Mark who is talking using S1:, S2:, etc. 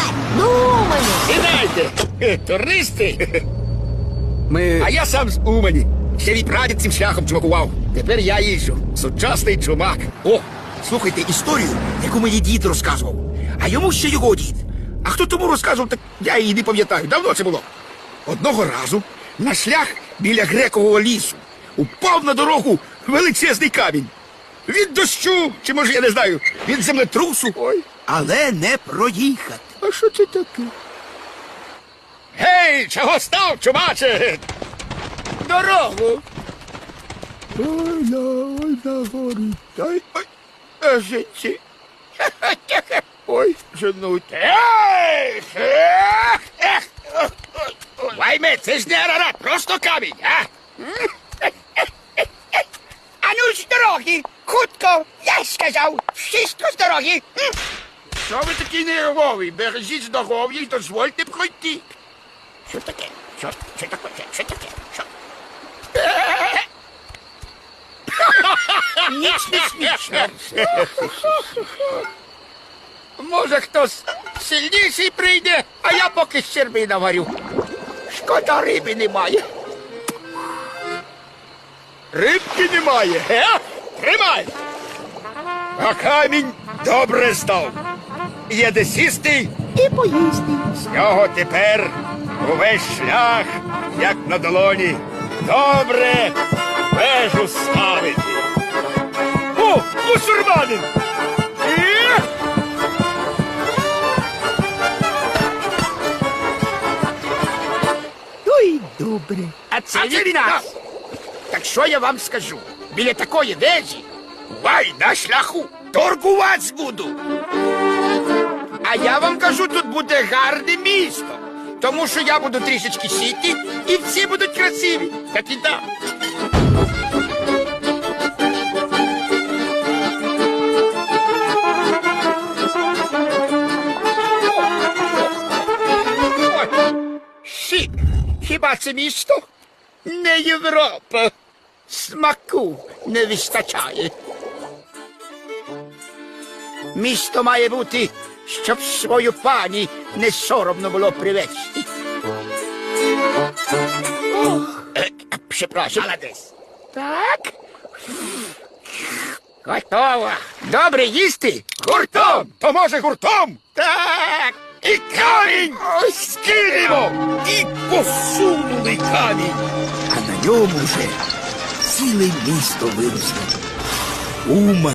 S1: Ну, Умані.
S2: Сідайте, туристи.
S3: Ми...
S2: А я сам з Умані. Ще від прадід цим шляхом чумакував. Тепер я їжджу. Сучасний чумак. О, слухайте історію, яку мені дід розказував. А йому ще його дід. А хто тому розказував, так я її не пам'ятаю. Давно це було. Одного разу на шлях біля грекового лісу упав на дорогу величезний камінь. Від дощу, чи може я не знаю, від землетрусу. Ой.
S3: Але не проїхати.
S2: А що це таке? Гей, чого став, чумаче? Дорогу. Ой, горить. Ой, жінці. Ой, женуть. Ей! Вайме, це ж не Арарат, просто камінь, а? А ну з дороги, хутко, я сказав, чисто з дороги. Що ви такі нервові? Бережіть здоров'я і дозвольте пройти. Що таке? Що таке? Що таке? Що? Ніч не смішно. Може, хтось сильніший прийде, а я поки щерби наварю. Шкода, риби немає. Рибки немає, ге? Тримай! А камінь добре став. Є де сісти
S1: І поїсти.
S2: з нього тепер увесь шлях, як на долоні. Добре вежу ставити. О, мусульманин!
S1: Ой, добре.
S2: А це від нас. Так що я вам скажу? Біля такої вежі, вай, на шляху, торгуваць буду. А я вам кажу, тут буде гарне місто. Тому що я буду трішечки сіти, і всі будуть красиві. Так і так. Шик, хіба це місто? Не Європа. Смаку не вистачає. Місто має бути, щоб свою пані не соромно було привезти. Прzepraszam. Молодець. Так. Готово. Добре їсти? Гуртом. То може гуртом? Так. І камінь скинемо. І посунули камінь.
S3: А на ньому вже ціле місто виросло. Умань.